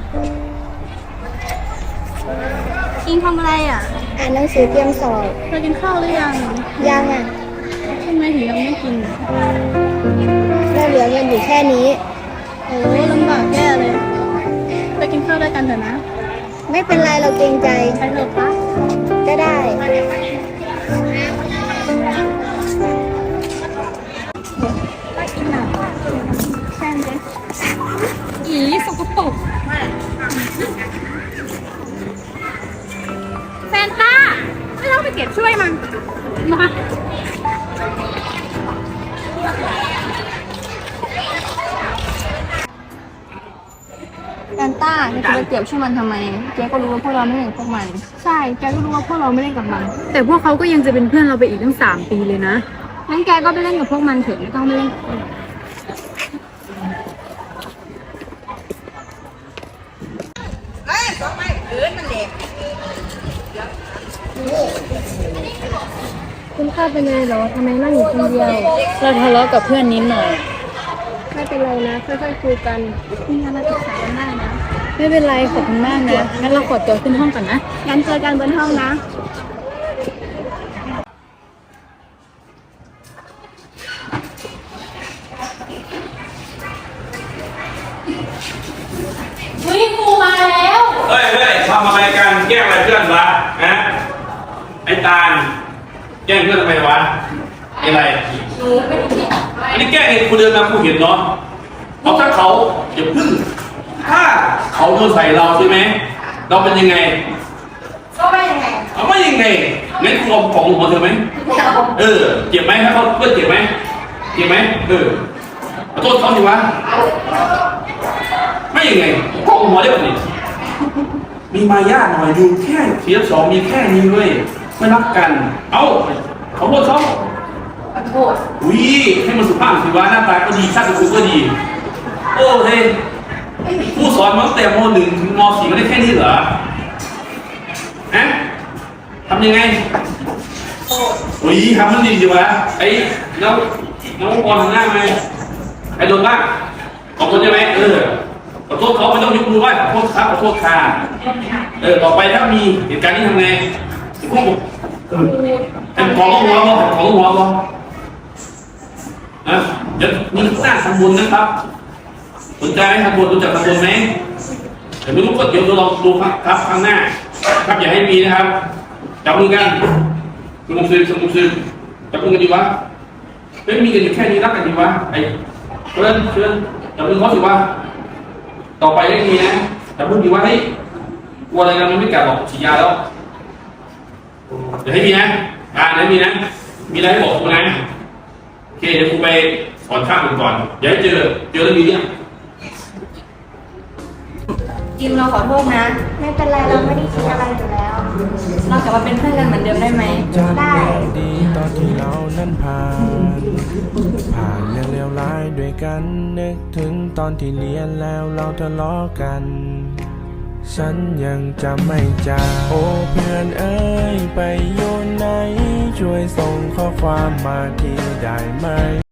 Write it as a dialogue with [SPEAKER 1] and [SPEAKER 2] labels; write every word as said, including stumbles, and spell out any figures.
[SPEAKER 1] อิงทำอะไรอ่ะ
[SPEAKER 2] อ่านหนังสือเตรียมสอบ
[SPEAKER 1] เธอกินข้าวหรือยัง
[SPEAKER 2] ยังอ่ะ
[SPEAKER 1] ทำไมถึงยังไม่กิน
[SPEAKER 2] เราเหลือเงินอยู่แค่นี้
[SPEAKER 1] โอ้ลำบากแย่เลยไปกินข้าวด้วยกันเถอะนะ
[SPEAKER 2] ไม่เป็นไรเราเกรงใจ
[SPEAKER 1] ไปเถอะปะ
[SPEAKER 2] ก็ได้
[SPEAKER 1] ไปกินหนักแช่งเลยอีสกปรกแฟนต้าไม่ต้องไปเก็บช่วยมันมา
[SPEAKER 2] แฟนต้าจะไปเก็บช่วยมันทำไมแกก็รู้ว่าพวกเราไม่เล่นกับพวกมัน
[SPEAKER 1] ใช่แกก็รู้ว่าพวกเราไม่เล่นกับมันแต่พวกเขาก็ยังจะเป็นเพื่อนเราไปอีกตั้งสามปีเลยนะ
[SPEAKER 2] งั้นแกก็ไปเล่นกับพวกมันเถอะไม่ต้องไปเล่นกับคุณข้าเป็นไงเหรอทำไมนั่งอยู่คนเดียว
[SPEAKER 1] เราทะเลาะกับเพื่อนนิดหน่อย
[SPEAKER 2] ไม่เป็นไรนะค่อยๆคุยกัน
[SPEAKER 1] มีอะไรปรึกษากันได้นะไม่เป็นไรขอบคุณมากนะงั้นเราขอตัวขึ้นห้องก่อนนะ
[SPEAKER 2] งั้นเจอกันบนห้องนะ
[SPEAKER 1] เฮ้ยครูมาแล้ว
[SPEAKER 3] เฮ้ยเฮ้ยทำอะไรกันแกล้งอะไรเพื่อนวะฮะไอ้ตาลแกล้งเพื่อนทำไมวะอะไรอันนี้แกล้งเองคุณเดินมาคุณเห็นเนาะเอาถ้าเขาอย่าพึ่งถ้าเขาโดนใส่เราใช่ไหมเราเป็นยังไง
[SPEAKER 2] ก็ไม่ยังไง
[SPEAKER 3] เอาไม่ยังไงงั้นคุณเอาของหัวเธอไหมเออเจ็บไหมถ้าเขาเพื่อนเจ็บไหมเจ็บไหมเออขอโทษเขาสิวะไม่ยังไงของหัวได้ป่ะนี่มีมายาหน่อยดูแค่เสียสองมีแค่นี้เว้ยไม่รักกัน เอ้าเขาโทษเขา
[SPEAKER 2] ขอโทษ
[SPEAKER 3] วิให้มันสุภาพสิวะหน้าตาก็ดีชาติคุณก็ดีโอ้เฮ้ยผู้สอนมาตั้งแต่มหนึ่งถึงมสี่ไม่ได้แค่นี้เหรอฮะทำยังไงวิทำมันดีสิวะไอ้แล้วน้องบอลทำหน้าไหมไอ้โดนบ้างขอบคุณใช่ไหมเออขอโทษเขาไม่ต้องยกมือไหว้ขอโทษครับขอโทษค่ะเออต่อไปถ้ามีเหตุการณ์นี้ทำไงพวกเป็นของหัวบ่ของหัวบ่นะเดี๋ยวมีหน้าทำบุญนะครับสนใจไหมทำบุญรู้จักทำบุญไหมเดี๋ยวไม่รู้ก็เดี๋ยวเราลองดูครับครับข้างหน้าครับอย่าให้มีนะครับจับมือกันสมุนซึสมุนซึจับมือกันดีวะไม่มีกันอยู่แค่นี้รักกันดีวะไอ้เพื่อนเพื่อนจับมือเขาสิวะต่อไปไม่มีนะจับมือดีวะเฮ้ยกลัวอะไรกันมันไม่กลับหรอกฉีดยาแล้วเดี๋ยวให้มีนะอ่าเดี๋ยวมีนะมีอะไรให้บอกกูนะโอเคเดี๋ยวกูไปสอนข้ามก่อนเดี๋ยวเจอเจอแล้วมีเนี่ย
[SPEAKER 2] จิมเราขอโทษนะไม่เป็นไรเราไม่ได้คิดอะไรอยู่แล้วเรากลับมาเป็นเพื่อนกันเหมือนเดิมได้ไหมได้
[SPEAKER 4] ดีตอนที่เรานั้นผ่านผ่านเรื่องเลวร้ายด้วยกันนึกถึงตอนที่เรียนแล้วเราทะเลาะกันฉันยังจำไม่จางโอ้เพื่อนเอ้ยไปอยู่ไหนช่วยส่งข้อความมาทีได้ไหม